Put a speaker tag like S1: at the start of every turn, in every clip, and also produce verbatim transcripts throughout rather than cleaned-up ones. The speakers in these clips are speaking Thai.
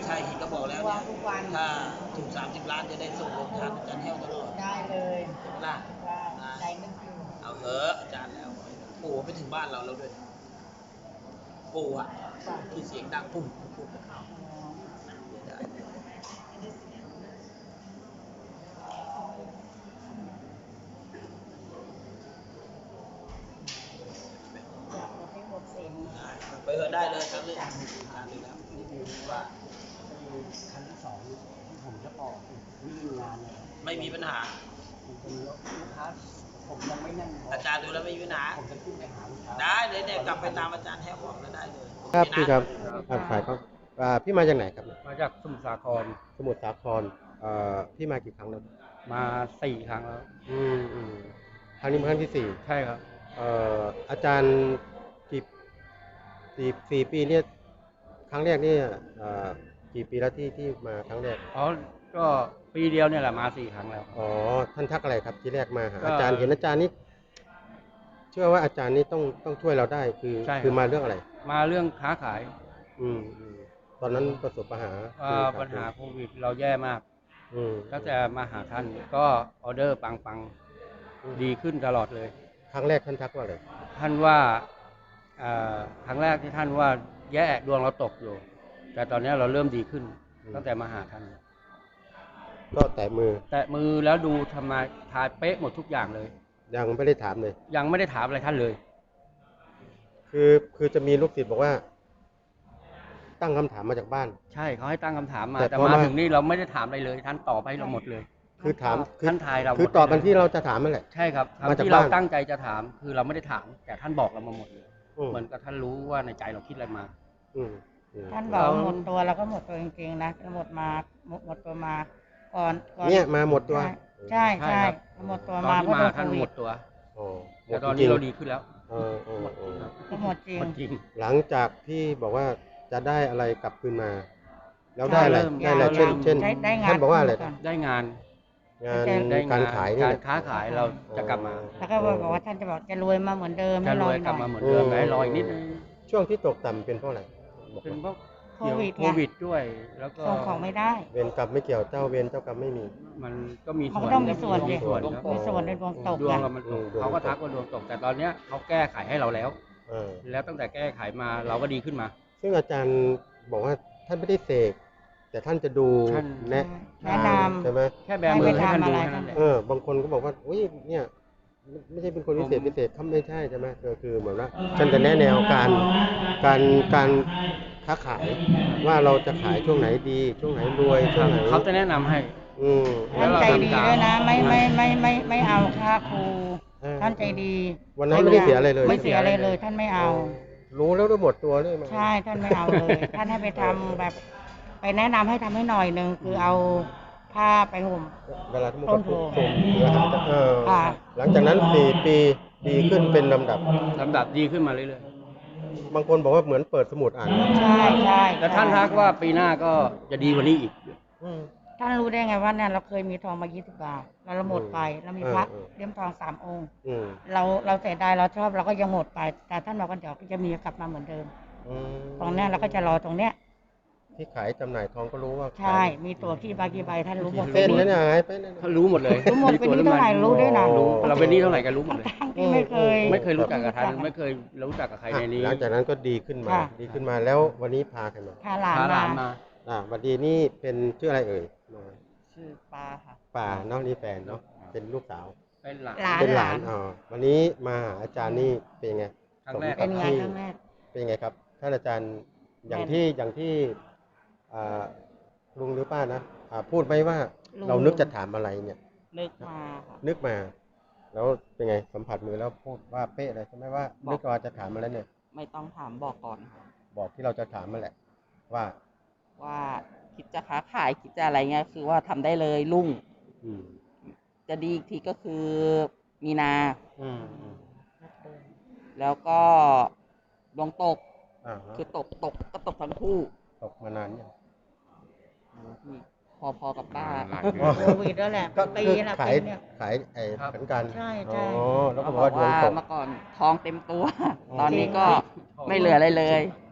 S1: ใช่เห็นก็บอกแล้วเนี่ยถ้าถูกสามสิบล้านจะได้ส่งโรงทานอาจารย์แห้วตลอด
S2: ได้เลย
S1: ใช่ไหมล่ะ
S2: ได้นึกอยู่
S1: เอาเถอะอาจารย์แล้วปู่ไปถึงบ้านเราแล้วด้วยปู่อะที่เสียงดังปุ่มปุ่มเอาได้ไปเถอะได้เลยครับเรื่องทานเลยแล้วนี่คือว่า
S3: ครั้งที่สองที่ผมจะต่อวิ่งงานเลย
S1: ไม่มีปัญหา
S3: ผมจะมีลูกค้าผมยังไม่นั่ง
S1: อาจารย์ดูแล้วไม่มีปัญหา
S3: ผมจะขึ้นไปหาลูกค้า
S1: ได้เลยเนี่ยกลับไปตามอาจารย์แห้วบอกแล้วได้เลย
S4: ครับพี่ครับครับขายครับพี่มาจากไหนครับ
S3: มาจากสมุทรสาคร
S4: สมุทรสาครพี่มากี่ครั้งแล้ว
S3: มาสี่ครั้งแล้ว
S4: อืมอืมครั้งนี้เป็นครั้งที่สี่
S3: ใช่ครับ
S4: อาจารย์กี่สี่สี่ปีเนี่ยครั้งแรกนี่กี่ปีแล้วที่ที่มาครั้งแรก
S3: อ๋อก็ปีเดียวเนี่ยแหละมาสี่ครั้งแล้ว
S4: อ๋อท่านทักอะไรครับที่แรกมาหาอาจารย์เห็นอาจารย์นี่เชื่อว่าอาจารย์นี่ต้องต้องช่วยเราได้คือคือมาเรื่องอะไร
S3: มาเรื่องค้าขาย
S4: อืมตอนนั้นประสบปัญหา
S3: ปัญหาโควิดเราแย่มากก็จะมาหาท่านก็ออเดอร์ปังๆดีขึ้นตลอดเลย
S4: ครั้งแรกท่านทักว่าอะไร
S3: ท่านว่าครั้งแรกที่ท่านว่าแย่ดวงเราตกอยู่แต่ตอนนี้เราเริ่มดีขึ้นตั้งแต่มาหาท่าน
S4: ก็แตะมือ
S3: แตะมือแล้วดูทำไมทายเป๊ะหมดทุกอย่างเลย
S4: ยังไม่ได้ถามเลย
S3: ยังไม่ได้ถามอะไรท่านเลย
S4: คือคือจะมีลูกศิษย์บอกว่าตั้งคำถามมาจากบ้าน
S3: ใช่เขาให้ตั้งคำถามมาแต่มาถึงนี่เราไม่ได้ถามอะไรเลยท่านตอบให้เราหมดเลย
S4: คือถาม
S3: ท่านทายเรา
S4: คือตอบกันที่เราจะถามนั่นแหละ
S3: ใช่ครับที่เราตั้งใจจะถามคือเราไม่ได้ถามแต่ท่านบอกเรามาหมดเลยเหมือนกับท่านรู้ว่าในใจเราคิดอะไรมา
S2: ท่านบอกหมดตัวเราก็หมดตัวจริงๆนะหมดมาหมดตัวมาก่อน
S4: เนี่ยมาหมดตัว
S2: ใช่ใช่หมดตัวมา
S3: เพราะท่านหมดตัวแต่ตอนนี้เราดีขึ้นแล้ว
S2: ก็หมดจริง
S4: จริงหลังจากที่บอกว่าจะได้อะไรกลับคืนมาแล้วได้อะไรได้อะไรเช่นเช่นท่านบอกว่าอะไร
S3: ได้งาน
S4: งานการขาย
S3: การค้าขายเราจะกลับมา
S2: แล้วก็บอกว่าท่านจะบอกจะรวยมาเหมือนเดิม
S3: จะรวยกลับมาเหมือนเดิมให้รอยนิดนึง
S4: ช่วงที่ตกต่ำเป็นเพราะอะไร
S3: เป็นเพราะโควิดโควิดด้วยแล้วก็
S2: ส่งของไม่ได้
S4: เวรกรรมไม่เกี่ยวเจ้าเวรเจ้ากรรมไม่มี
S3: มันก็มี
S2: ส่วนต้องมีส่วน
S3: มีส่วน
S2: มีส่วนในดวงตก
S3: ดวงเรามันตกเขาก็ทักว่าดวงตกแต่ตอนเนี้ยเขาแก้ไขให้เราแล้วแล้วตั้งแต่แก้ไขมาเราก็ดีขึ้นมา
S4: ซึ่งอาจารย์บอกว่าท่านไม่ได้เสกแต่ท่านจะดูแนะ
S2: แนะนำ
S4: ใช่ไหม
S3: แค่แบมือให้ท่านดูแค่นั้นแหละ
S4: เออบางคนก็บอกว่าอุ้ยเนี่ยไม่ใช่เป็นคนพิเศษพิเศษเขาไม่ใช่ใช่ไหมก็คือเหมือนว่าท่านจะแนะแนวการการการค้าขายว่าเราจะขายช่วงไหนดีช่วงไหนรวยช่วงไหน
S3: เขาจะแนะนำให้
S4: อืม
S2: ท่านใจดีด้วยนะไม่ไม่ไม่ไม่ไม่เอาค่าครูท่านใจดี
S4: วันนั้นไม่ได้เสียอะไรเลย
S2: ไม่เสียอะไรเลยท่านไม่เอา
S4: รู้แล้วได้หมดตัวเลย
S2: ใช่ท่านไม่เอาเลยท่านให้ไปทำแบบไปแนะนำให้ทำให้หน่อยนึงคือเอาผ้าไปห่ม
S4: เวลาที่มันก็ห่มเพื่อหาจะเออหลังจากนั้นสี่ปีดีขึ้นเป็นลำดับ
S3: ลำดับดีขึ้นมาเรื่อย
S4: ๆบางคนบอกว่าเหมือนเปิดสมุดอ่าน
S2: ใช่ใช่
S3: แล้วท่านทักว่าปีหน้าก็จะดีกว่านี้อีก
S2: ท่านรู้ได้ไงว่าเนี่ยเราเคยมีทองมายี่สิบบาทแล้วเราหมดไปเรามีพระเลี่ยมทองสามองค์เราเราเสียดายเราชอบเราก็ยังหมดไปแต่ท่านบอกว่าเดี๋ยวจะมีกลับมาเหมือนเดิมตรงนี้เราก็จะรอตรงเนี้ย
S4: ที่ขายจำหน่ายทองก็รู้ว่า
S2: ใช่มีตัวกี่ใบกี่ใบท่านรู้หมด
S4: เส้นแล้วเนี่ยไป
S3: ท่านรู้หมดเลย
S2: รู้หมดเป็นนี้เท่าไหร่รู้ได้นะ
S3: เราเป็นนี้เท่าไหร่กันรู้หมดเลย
S2: ที่ไม่เคย
S3: ไม่เคยรู้จักกับท่านไม่เคยรู้จักกับใครในนี้
S4: หลังจากนั้นก็ดีขึ้นมาดีขึ้นมาแล้ววันนี้พาใครมา
S2: พาหลานมา
S4: อ่าวันดีนี่เป็นชื่ออะไรเอ่ย
S2: ชื่อปาค่ะ
S4: ปาเนาะนี่แฟนเนาะเป็นลูกสาว
S3: เป็นหลาน
S4: เป็นหลานอ๋อวันนี้มาอาจารย์นี่เป็นไง
S3: ครั้งแรก
S2: เป็นไงครั้งแรก
S4: เป็นไงครับท่านอาจารย์อย่างที่อย่างที่ลุงหรือป้านะพูดไหมว่าเรานึกจะถามอะไรเนี่ย
S2: นึกมา
S4: นึกมาแล้วเป็นไงสัมผัสมือแล้วพูดว่าเป๊ะเลยใช่ไหมว่านึกว่าจะถามอะไรเนี่ย
S2: ไม่ต้องถามบอกก่อน
S4: บอกที่เราจะถามมาแหละว่า
S2: ว่าคิดจะค้าขายคิดจะอะไรเงี้ยคือว่าทำได้เลยรุ่งจะดีอีกทีก็คือมีนาแล้วก็ดวงตกคือตกตกก็ตกทั้งคู่
S4: ตกมานานยัง
S2: พอพอกับป้าโควิดแล้วแหละปีละ
S4: ขายขายไอ้เหมือนกัน
S2: ใช่ใช่
S4: แล้วก็บอกว่าดวงตก
S2: เมื่อก่อนทองเต็มตัวตอนนี้ก็ไม่เหลืออะไรเลย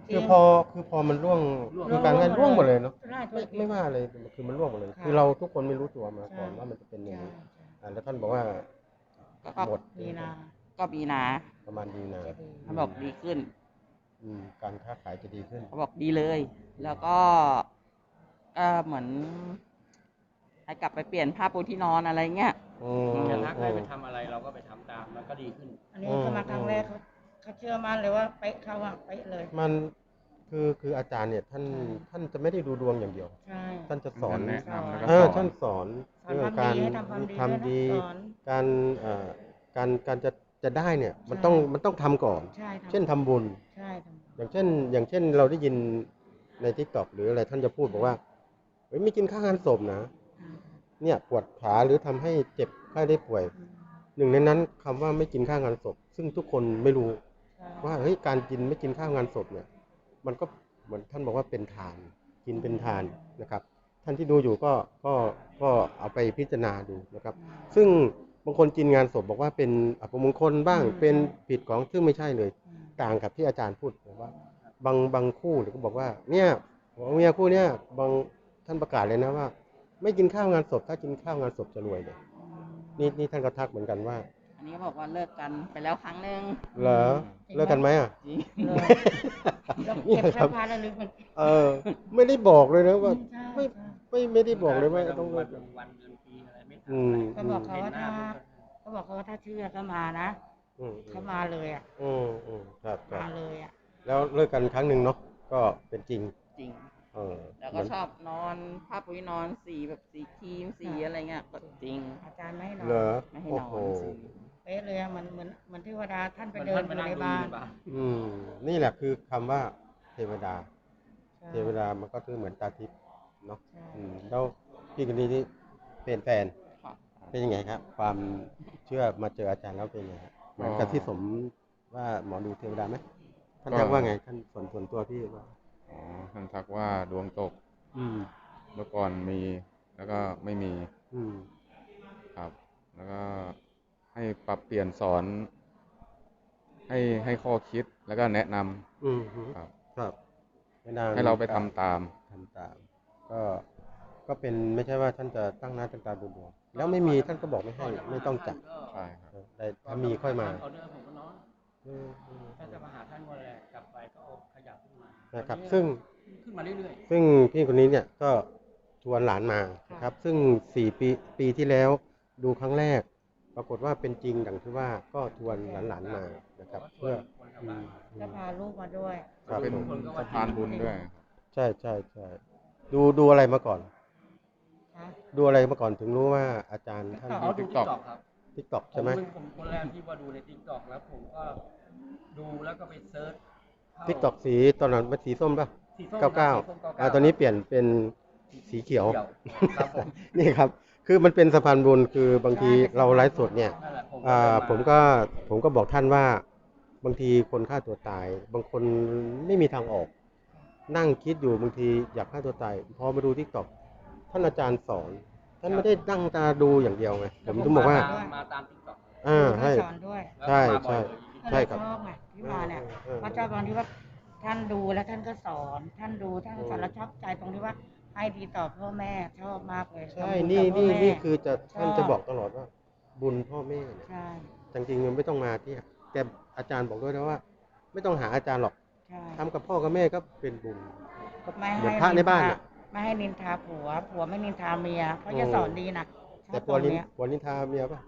S4: คือพอคือพอมันร่วงคือการงานร่วงหมดเลยเนาะ
S2: ใช่
S4: ไม่ไม่ว่าเลยคือมันร่วงหมดเลย
S2: ค่ะ
S4: คือเราทุกคนไม่รู้ตัวมาก่อน
S2: ใช่
S4: ว่ามันจะเป็นอย่างนี้
S2: ใช่
S4: อ่าแล้วท่านบอกว่า
S5: ก็ก็
S4: หมด
S2: มีนา
S5: ก็มีนา
S4: ประมาณดีนา
S2: จะดี
S5: เขาบอกดีขึ้น
S4: อืมการค้าขายจะดีขึ้น
S5: เขาบอกดีเลย แล้วก็เออเหมือนให้กลับไปเปลี่ยนผ้าปูที่นอนอะไรเงี้ย
S4: อืม
S1: จะทักให้ไปทำอะไรเราก็ไปทำตามมันก็ดีขึ้น
S2: อันนี้เขามาครั้งแรกเขาเขาเชื่อมั่นเลยว่าเป๊ะเขาอะเป๊ะเลย
S4: มันคือคืออาจารย์เนี่ยท่าน
S2: ใช่
S4: ท่านจะไม่ได้ดูดวงอย่างเดียว
S2: ใช่
S4: ท่านจะสอน
S6: แนะนำแล้วก็
S4: เออ
S6: สอน
S4: ท่านสอน
S2: สอน
S4: เรื่อง
S2: ทำ
S4: การ
S2: ดีให้ทำความดี
S4: ทำดี
S2: ด้วยนะสอน
S4: การเอ่อการการจะจะได้เนี่ยมัน
S2: ใช่
S4: ต้องมันต้องทำก่อน
S2: ใช่ทำ
S4: เช่นทำบุญ
S2: ใช่ท
S4: อย่างเช่น อย่างเช่นเราได้ยินในทิกตอกหรืออะไรท่านจะพูดบอกว่าเฮ้ยไม่กินข้าวงานศพนะ
S2: ำ
S4: เนี่ยปวดขาหรือทำให้เจ็บไข้ได้ป่วย
S2: อืม
S4: หนึ่งในนั้นคำว่าไม่กินข้าวงานศพ ซึ่งทุกคนไม่รู้
S2: ใช่
S4: ว่าเฮ้ยการกินไม่กินข้าวงานศพเนี่ย มันก็เหมือนท่านบอกว่าเป็นทาน กินเป็นทานนะครับ ท่านที่ดูอยู่ก็ก็ก็เอาไปพิจารณาดูนะครับ ซึ่งบางคนกินงานศพบอกว่าเป็นอัปมงคลบ้างเป็นผิดของซึ่งไม่ใช่เลย
S2: อืม
S4: ต่างกับที่อาจารย์พูดบอกว่า บางบางคู่เนี่ยก็บอกว่า เนี่ยผัวเมียคู่เนี่ยบางท่านประกาศเลยนะว่า ไม่กินข้าวงานศพ ถ้ากินข้าวงานศพจะรวยเลย นี่นี่ท่านก็ทักเหมือนกันว่า
S5: อันนี้เขาบอกว่าเลิกกันไปแล้วครั้งหนึ่ง
S4: เหรอเลิกกันไหมอ่ะ
S5: จริง
S2: เลยเรา
S4: เนี่
S2: เก็
S4: ย
S2: บ
S4: ครั
S2: เสื้
S4: บ
S2: อผ้าแล้วลืมมัน
S4: เออ ไม่ได้บอกเลยนะว่า
S2: ใช่
S4: ไม่
S2: ใช่
S4: ไม่ไม่ได้บอกเลยว่าต้องเลิ
S1: วั
S4: ก
S1: นวันเดือนปีอะไรไม่ทำ
S4: อืม
S1: อะไร
S2: ก็บอกเขา
S1: เห็น
S2: ว่า
S1: หน้า
S2: ถ้า
S1: ปุ๊บก็
S2: เขาบอกเขาว่าถ้าเชื่อก็มานะ
S4: อืม
S2: เขามาเลยอ่ะ
S4: อืมอืมครับครับ
S2: มาเลยอ่ะ
S4: แล้วเลิกกันครั้งหนึ่งเนาะก็เป็นจริง
S5: จริง
S4: เออ
S5: แล้วก็ชอบนอนผ้าปูที่นอนสีแบบสีครีมสีอะไรเงี้ยก็จริง
S2: อาจารย์ไม่ให้นอ
S4: เหรอน
S5: ไม่ให้
S4: โอ้
S5: นอน
S4: โห
S5: สี
S2: เป๊ะเลยอะเหมือนเหมือนเหมือนเทวดาท่านไป
S1: มัน
S2: เดิน
S1: ท่าน
S2: อ
S1: มา
S2: ยู่
S1: นั่ง
S2: ใน
S1: ดู
S2: บ้าน
S1: ในบ้าน
S4: อืมนี่แหละคือคำว่าเทวดา
S2: ใช่
S4: เทวดามันก็คือเหมือนตาทิพย์เนาะ
S2: ใช่
S4: อืมแล้วพี่คนนี้ที่เป็นแฟน
S5: ค่ะ
S4: เป็นยังไงครับ ความเชื่อมาเจออาจารย์แล้วเป็นยังไงครับเหมือนกับที่สมว่าหมอดูเทวดาไหมท่าน
S6: ก็
S4: ทักว่าไงท่านส่วนส่วนตัวพี่ว่า
S6: อ๋อท่านทักว่าดวงตก
S4: อืม
S6: เมื่อก่อนมีแล้วก็ไม่มี
S4: อืม
S6: ครับ แล้วก็ให้ปรับเปลี่ยนสอน ให้ให้ข้อคิดแล้วก็แนะนำ
S4: อืมฮึ
S6: ครับ
S4: ครับไม่นาน
S6: ให้เราไปทำตาม
S4: ทำตาม ก็ก็เป็นไม่ใช่ว่าท่านจะตั้งหน้าตั้งตาดูดวงแล้วไม่มีท่านก็บอกไม่ให้ไม่ต้องจัด
S6: ใช่ครับ
S4: แต่ถ้ามีค่อยมา
S1: ออเดอร์ผมก็นอน
S4: อืมอืม
S1: ถ้าจะมาหาท่านวันแรกกลับไปก็เอาขยับขึ้นมา
S4: นะครับ
S1: ตอ
S4: ซึ่ง
S1: ขึ้นมาเรื่อย
S4: ซึ่งพี่คนนี้เนี่ยก็ชวนหลานมานะครับ ซึ่งสี่ปีปีที่แล้วดูครั้งแรก ปรากฏว่าเป็นจริงดังที่ว่าก็ชวนหลานๆมานะครับ เพื่ออืมอื
S2: ก็
S4: ม
S2: พาลูกมาด้วย
S4: ครับ
S6: เป็น
S4: ผม
S6: สะพานบุญด้วย
S4: ใช่ใช่ใช่ดูดูอะไรมาก่อน
S2: นะ
S4: ดูอะไรมาก่อนถึงรู้ว่าอาจารย์ท่าน
S1: ๆเอาดูทิกตอกครับ
S4: ทิกตอก
S1: ผ
S4: ใช่
S1: ม
S4: ไหม
S1: เป็นผมคนแรกที่ว่าดูในทิกตอกแล้วผมก็ดูแล้วก็ไปเซิร์ชเข้า
S4: ทิกตอกสีตอนนั้นมันสีส้มป่ะ
S1: สีส้ม
S4: เก้าเก้า
S1: สีส้มเก้าเก้า
S4: อ่าตอนนี้เปลี่ยนเป็นสีเขียว
S1: ครับผม
S4: นี่ครับ คือมันเป็นสะพานบุญคือบางทีเราไลฟ์สดเนี่ย
S1: นั่นแหละผม
S4: อ่า
S1: ก็
S4: ผมก็ผมก็บอกท่านว่าบางทีคนฆ่าตัวตาย บางคนไม่มีทางออก นั่งคิดอยู่บางทีอยากฆ่าตัวตาย พอมาดูทิกตอกท่านอาจารย์สอน ท่านไม่ได้นั่งตาดูอย่างเดียวไงผมถึงบอกว่า
S1: มาตามทิกตอก
S4: อ่า
S2: ดูให้
S4: ให้
S2: สอนด้วย
S4: ใช่ใช่ ใช่ครับ
S2: ชอบไงที่มาเนี่ย
S4: เออ
S2: เพราะชอบบางที่ว่าท่านดูแล้วท่านก็สอน ท่านดูท่านก็สอน
S4: อืม
S2: แล้วชอบใจตรงที่ว่าให้ดีต่อพ่อแม่ชอบมากเลย
S4: ใช่
S2: ทำบุญ
S4: นี่
S2: กับพ่อ
S4: นี่
S2: แม่
S4: นี่คือจะท่าน
S2: ชอบ
S4: จะบอกตลอดว่า บุญพ่อแม่เนี่ย
S2: ใช่
S4: จริงๆมันไม่ต้องมาที่แต่อาจารย์บอกด้วยนะว่า ไม่ต้องหาอาจารย์หรอก
S2: ใช่
S4: ทำกับพ่อกับแม่ก็เป็นบุญก็
S2: ไม่
S4: เหมื
S2: ให้
S4: อนพระในบ้าน
S2: ท
S4: น่ะ
S2: ไม่ให้นินทาผัว ผัวไม่นินทาเมียเพราะ
S4: อืม
S2: จะสอนดีนะช
S4: แต่
S2: อบ
S4: ป
S2: ต
S4: ว
S2: ร
S4: ด
S2: ง
S4: นิน
S2: เนี้ย
S4: ปวดนินทาเมียป่ะ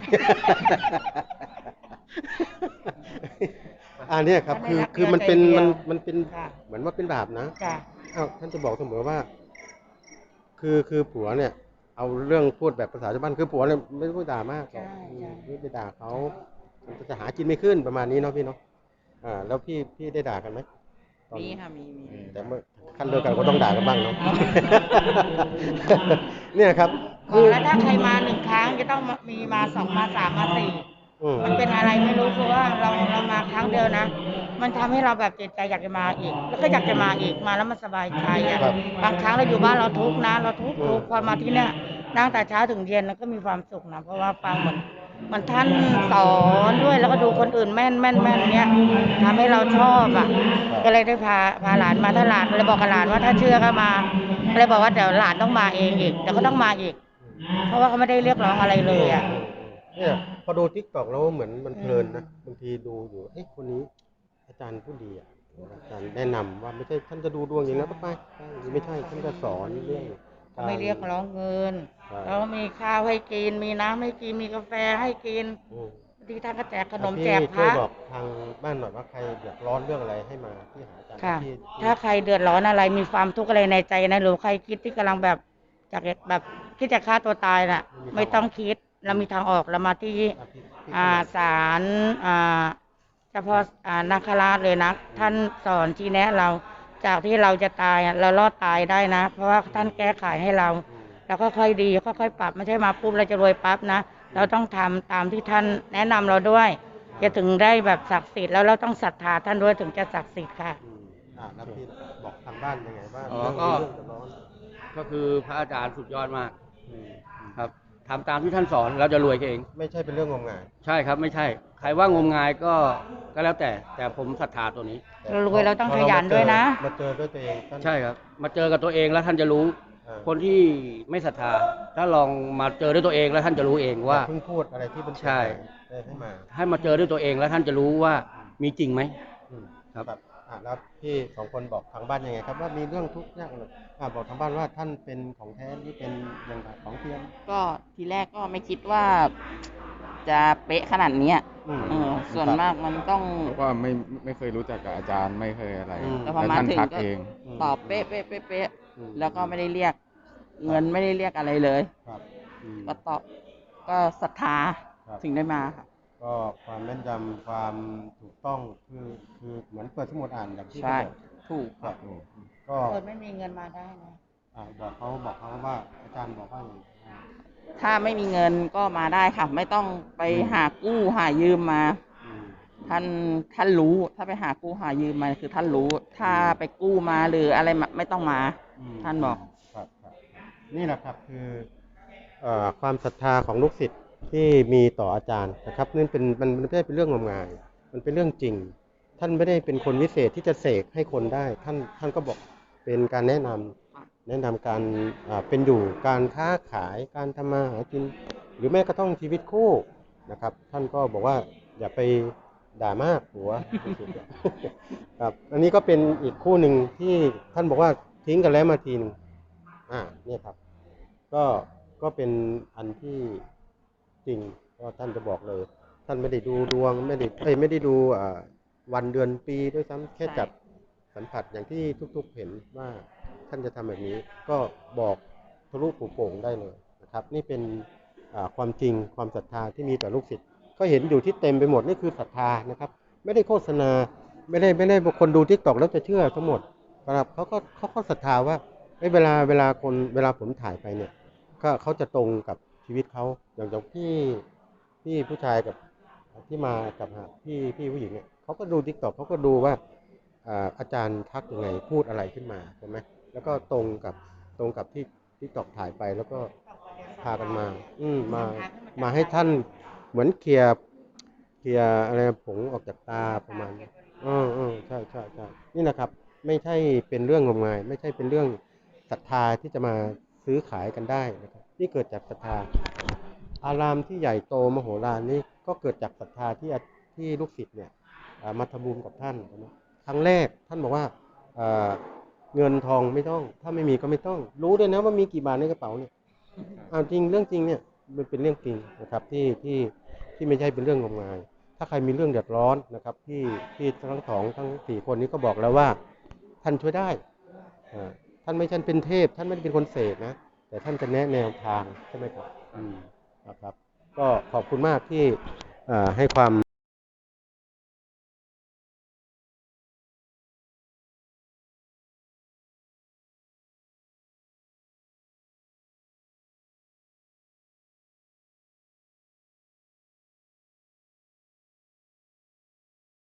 S4: อันเนี้ยครับคือคือมันเป็นมันมันเป็น
S2: ค่ะ
S4: เหมือนว่าเป็นบาปนะ
S2: จ้ะ
S4: อ้าวท่านจะบอกเสมอว่า คือคือผัวเนี่ย เอาเรื่องพูดแบบภาษาชาวบ้านคือผัวเนี่ยไม่ต้องด่ามากหรอก
S2: ใช่ใช่
S4: ไม่ไปด่าเขามันจะหากินไม่ขึ้นประมาณนี้เนาะพี่เนาะอ่า แล้วพี่พี่ได้ด่ากันไหมตอน
S5: มีค่ะมีมี
S4: แต่เมื่อขั้นเดียวกันก็ต้องด่ากันบ้างเนาะ เนี่ยครับ
S2: บ
S4: คื
S2: อก
S4: อ
S2: แล้วถ้าใครมาหนึ่งครั้งจะต้องมีมาสองมาสามมาสี่
S4: อืม
S2: มันเป็นอะไรไม่รู้คือว่าเราเรามาครั้งเดียวนะ มันทำให้เราแบบจิตใจอยากจะมาอีก แล้วก็อยากจะมาอีกมาแล้วมันสบายใจอ่ะ
S4: ครับ
S2: บางครั้งเราอยู่บ้านเราทุกข์นะ เราทุกข์
S4: อืม
S2: ทุกข์พอมาที่เนี่ยนั่งแต่เช้าถึงเย็นแล้วก็มีความสุขนะเพราะว่าฟังเหมือนมันท่านสอนด้วยแล้วก็ดูคนอื่นแม่นแม่นแม่นเนี้ยทำให้เราชอบอ่ะ ก็เลยได้พาพาหลานมาถ้าหลานเลยบอกกับหลานว่าถ้าเชื่อก็มาก็เลยบอกว่าเดี๋ยวหลานต้องมาเองอีกเดี๋ยวเขาต้องมาอีก เพราะว่าเขาไม่ได้เรียกร้องอะไรเลยอ่ะ
S4: เนี่ยพอดูทิกตอกแล้วเหมือนมันเพลินนะบางทีดูอยู่เอ้คนนี้อาจารย์ผู้ดีอ่ะอาจารย์แนะนำว่าไม่ใช่ท่านจะดูดวงอย่างนั้นไปไปไม่ใช่ท่านจะสอนเรื่อง
S2: เขาไม่เรียกร้องเงิน
S4: ใช่
S2: แล้วมีข้าวให้กินมีน้ำให้กินมีกาแฟให้กิน
S4: อืม
S2: บางทีท่านก็แจกขนม
S4: พี่
S2: แจกพ
S4: ช่วย
S2: ระ
S4: บอกทางบ้านหน่อยว่าใครเดือดร้อนเรื่องอะไรให้มาที่หาอาจารย์
S2: ค่ะ
S4: ที่ที่
S2: ถ้าใครเดือดร้อนอะไรมีความทุกข์อะไรในใจนะหรือใครคิดที่กำลังแบบจากแบบคิดจะฆ่าตัวตายน่ะ ไม่ต้องคิดเรามีทางออกเรามาที่
S4: อ่ะพี่พี่
S2: อ่าศาลอ่าเฉพาะอ่านาคราชเลยนะท่านสอนชี้แนะเราจากที่เราจะตายอ่ะเรารอดตายได้นะ เพราะว่าท่านแก้ไขให้เรา
S4: อืม
S2: แล้วก็ค่อยดีค่อยๆปรับไม่ใช่มาปุ๊บเราจะรวยปั๊บนะเราต้องทำตามที่ท่านแนะนำเราด้วย จะถึงได้แบบศักดิ์สิทธิ์แล้วเราต้องศรัทธาท่านด้วยถึงจะศักดิ์สิทธิ์ค่ะ
S4: อืมอ่าแล้วพี่บอกทางบ้านยังไงว่า
S3: อ๋อ
S4: เรื่อง
S3: ก็
S4: เรื่องเดือดร้อน
S3: ก็คือพระอาจารย์สุดยอดมาก
S4: อืม
S3: ครับทำตามที่ท่านสอนเราจะรวยเอง
S4: ไม่ใช่เป็นเรื่องงมงาย
S3: ใช่ครับไม่ใช่ ใครว่างมงายก็ก็แล้วแต่ แต่ผมศรัทธาตัวนี้
S4: แต่
S2: เรารวยเราต้อง
S4: พ
S2: ขยันด้วยนะ
S4: มาเจอด้วยตัวเองท่าน
S3: ใช่ครับ มาเจอกับตัวเองแล้วท่านจะรู้
S4: อ่า
S3: คนที่ไม่ศรัทธา ถ้าลองมาเจอด้วยตัวเองแล้วท่านจะรู้เองว่า
S4: อย่เพิ่งพูดอะไรที่เป็น
S3: ใช่
S4: ได้ให้มา
S3: ให้มาเจอด้วยตัวเองแล้วท่านจะรู้ว่ามีจริงไหม
S4: อืม
S3: ครับ
S4: อ่าแล้วพี่สองคนบอกทางบ้านยังไงครับว่ามีเรื่องทุกข์ยากอะไรอ่าบอกทางบ้านว่าท่านเป็นของแท้หรือเป็นอย่างไรของเทียม
S5: ก็ทีแรกก็ไม่คิดว่าจะเป๊ะขนาดเนี้ย
S4: อืม
S5: เออส่วนมากมันต้อง
S6: เพราะว่าไม่ไม่เคยรู้จักกับอาจารย์ไม่เคยอะไร
S4: อืม
S5: แต่พอ
S6: แล้ว
S5: มา
S6: ท่าน
S5: ถึง
S6: ทัก
S5: ก็
S6: เอง
S5: ตอบเป๊ะเป๊ะเป๊ะเป๊ะ
S4: อืม
S5: แล้วก็ไม่ได้เรียก เงินไม่ได้เรียกอะไรเลย
S4: ครับอืม
S5: ก็ตอบก็ศรัทธา
S4: ครับ
S5: ถึงได้มาค่ะ
S4: ก็ความแม่นยำความถูกต้องคือคือเหมือนเปิดสมุดอ่านอย่างที่
S5: ใช่
S4: เขาบอก
S5: ถูก
S4: ครับก็
S2: คนไม่มีเงินมาได้นะ
S4: อ่าบอกเขาบอกเขาว่าอาจารย์บอกว่าอย่างไร
S5: ถ้าไม่มีเงินก็มาได้ค่ะ ไม่ต้องไป
S4: อืม
S5: หากู้หายืมมา
S4: อืม
S5: ท่านท่านรู้ ถ้าไปหากู้หายืมมาคือท่านรู้ ถ้าไปกู้มาหรืออะไรมาไม่ต้องมา
S4: อืม
S5: ท่านบอก
S4: ครับครับนี่แหละครับคือเอ่อความศรัทธาของลูกศิษย์ที่มีต่ออาจารย์นะครับนั่นเป็นมันมันไม่ได้เป็นเรื่องงมงายมันเป็นเรื่องจริง ท่านไม่ได้เป็นคนวิเศษที่จะเสกให้คนได้ ท่านท่านก็บอกเป็นการแนะนำแนะนำการอ่าเป็นอยู่การค้าขายการทำมาหากิน หรือแม้กระทั่งชีวิตคู่นะครับ ท่านก็บอกว่าอย่าไปด่ามากหัว ครับอันนี้ก็เป็นอีกคู่หนึ่งที่ท่านบอกว่าทิ้งกันแล้วมาทีหนึงอ่าเนี่ยครับ ก็ก็เป็นอันที่จริงก็ท่านจะบอกเลย ท่านไม่ได้ดูดวงไม่ได้เอ้ยไม่ได้ดูอ่าวันเดือนปีด้วยซ้ำแค่
S5: ใช่
S4: จับสัมผัสอย่างที่ทุกๆเห็นว่าท่านจะทำแบบนี้ ก็บอกทะลุปูโป่งได้เลยนะครับ นี่เป็นอ่าความจริงความศรัทธาที่มีต่อลูกศิษย์ก็เห็นอยู่ที่เต็มไปหมดนี่คือศรัทธานะครับ ไม่ได้โฆษณาไม่ได้ไม่ได้บางคนดูทิกตอกแล้วจะเชื่อทั้งหมดนะครับเขาก็เขาก็ศรัทธาว่าเอ้ยเวลาเวลาคนเวลาผมถ่ายไปเนี่ย ก็เขาจะตรงกับชีวิตเขาอย่างอย่างพี่พี่ผู้ชายกับที่มากับหาพี่พี่ผู้หญิงเนี่ยเขาก็ดูทิกตอกเขาก็ดูว่าอ่าอาจารย์ทักยังไงพูดอะไรขึ้นมาใช่ไหมแล้วก็ตรงกับตรงกับที่ทิกตอกถ่ายไปแล้วก็พากันมา อืมมามาให้ท่านเหมือนเคลียร์เคลียร์อะไรผงออกจากตาประมาณนี้อืมอืมใช่ใช่ใช่นี่นะครับ ไม่ใช่เป็นเรื่องงมงาย ไม่ใช่เป็นเรื่องศรัทธาที่จะมาซื้อขายกันได้นะครับนี่เกิดจากศรัทธา อารามที่ใหญ่โตมโหฬารนี่ก็เกิดจากศรัทธาที่ที่ลูกศิษย์เนี่ยอ่ามาทำบุญกับท่านนะครั้งแรกท่านบอกว่าอ่าเงินทองไม่ต้อง ถ้าไม่มีก็ไม่ต้อง รู้ด้วยนะว่ามีกี่บาทในกระเป๋าเนี่ยเอาจริงเรื่องจริงเนี่ยมันเป็นเรื่องจริงนะครับที่ที่ที่ไม่ใช่เป็นเรื่องงมงาย ถ้าใครมีเรื่องเดือดร้อนนะครับที่ที่ทั้งสองทั้งสี่คนนี้ก็บอกแล้วว่าท่านช่วยได้อ่าท่านไม่ใช่เป็นเทพ ท่านไม่ได้เป็นคนเสกนะ แต่ท่านจะแนะแนวทางใช่ไหมครับอืมนะครับ ก็ขอบคุณมากที่อ่าให้ความ